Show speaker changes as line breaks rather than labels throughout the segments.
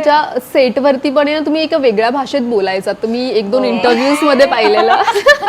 तुमच्या सेटवरती पण आहे ना, तुम्ही एका वेगळ्या भाषेत बोलायचा. तुम्ही 1-2 इंटरव्ह्यूज मध्ये पाहिलेलं.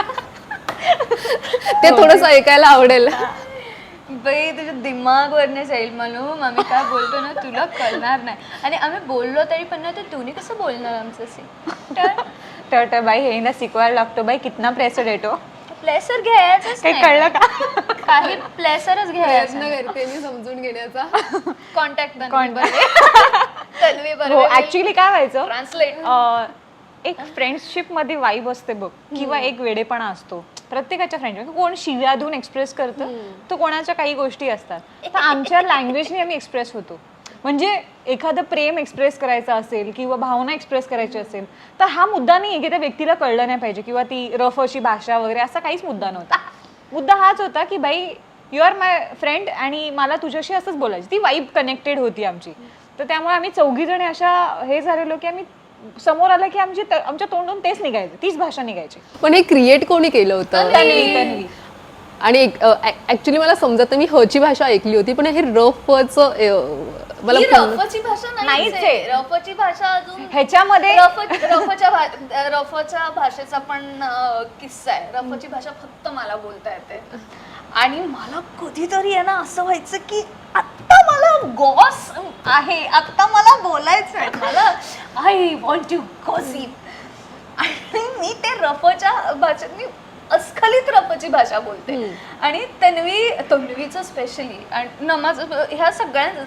ते थोडंसं ऐकायला आवडेल.
बाई तुझ्या दिमागवरने जाईल म्हणून आम्ही काय बोलतो ना तुला कळणार नाही. आणि आम्ही बोललो तरी पण ना, तर तुम्ही कसं बोलणार आमचं सीन.
तर बाई हे ना शिकवायला लागतो बाई, कितना प्रेशर येतो.
प्लेसर घ्यायचंच
काही
नाही.
कळलं का?
काही प्लेसरच घ्यायचं.
प्रयत्न करते मी समजून घेण्याचा.
कॉन्टॅक्ट
हो ऍक्च्युली काय व्हायचं,
ट्रान्सलेट
एक फ्रेंडशिप मध्ये वाईब असते बघ, किंवा एक वेडेपणा असतो प्रत्येकाच्या फ्रेंडशिप. कोण शिव्या देऊन एक्सप्रेस करतं, तर कोणाच्या काही गोष्टी असतात. तर आमच्या लँग्वेजने आम्ही एक्सप्रेस होतो. म्हणजे एखादं प्रेम एक्सप्रेस करायचं असेल किंवा भावना एक्सप्रेस करायची असेल, तर हा मुद्दा नाही की त्या व्यक्तीला कळलं नाही पाहिजे किंवा ती रफ अशी भाषा वगैरे असा काहीच मुद्दा नव्हता. मुद्दा हाच होता की बाई यू आर माय फ्रेंड आणि मला तुझ्याशी असंच बोलायचं. ती वाईब कनेक्टेड होती आमची. तर त्यामुळे आम्ही 4घी जणी अशा हे झालेलो की आम्ही समोर आलं की आमच्या तोंडून तेच निघायचं, तीच भाषा निघायची.
पण हे क्रिएट कोणी केलं होतं?
तन्वी.
आणि ऍक्च्युली मला समजत नाही, मी हची भाषा ऐकली होती, पण हे रफच मला
रफची भाषा
नाहीच
नाहीच
आहे.
आहे. रफची भाषा अजून
ह्याच्यामध्ये
रफच्या भाषेचा पण किस्सा आहे. रफची भाषा फक्त मला बोलता येते. आणि मला कधीतरी आहे ना असं व्हायचं की आत्ता मला गॉस आहे, आत्ता मला बोलायचं आहे, मला आय वॉन्ट टू गॉसिप. आणि मी ते रफच्या भाषेत मी अस्खलित रफची भाषा बोलते. आणि तन्वीचं स्पेशली आणि नमाज ह्या सगळ्यांचं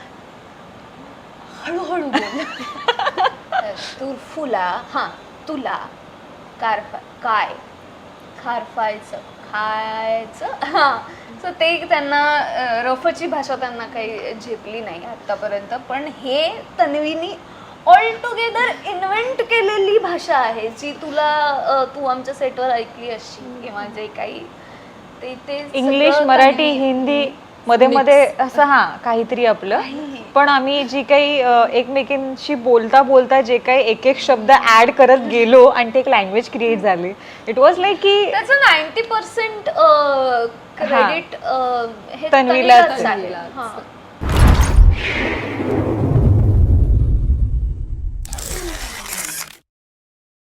हळूहळू बोल. तू फुला हा तुला काय खारफायचं खायचं हा. सो ते त्यांना रफची भाषा त्यांना काही झेपली नाही आतापर्यंत. पण हे तन्वीनी ऑल टुगेदर इन्व्हेंट केलेली भाषा आहे, जी तू आमच्या सेटवर ऐकली अशी किंवा जे काही ते
इंग्लिश, मराठी, हिंदी मध्ये मध्ये असं काहीतरी आपलं. पण आम्ही जी काही एकमेकींशी बोलता बोलता जे काही एक एक शब्द ऍड करत गेलो आणि ते एक लँग्वेज क्रिएट झाली. इट वॉज लाईक की
त्याचं 90% क्रेडिट हे
तन्वीलाच
आहे.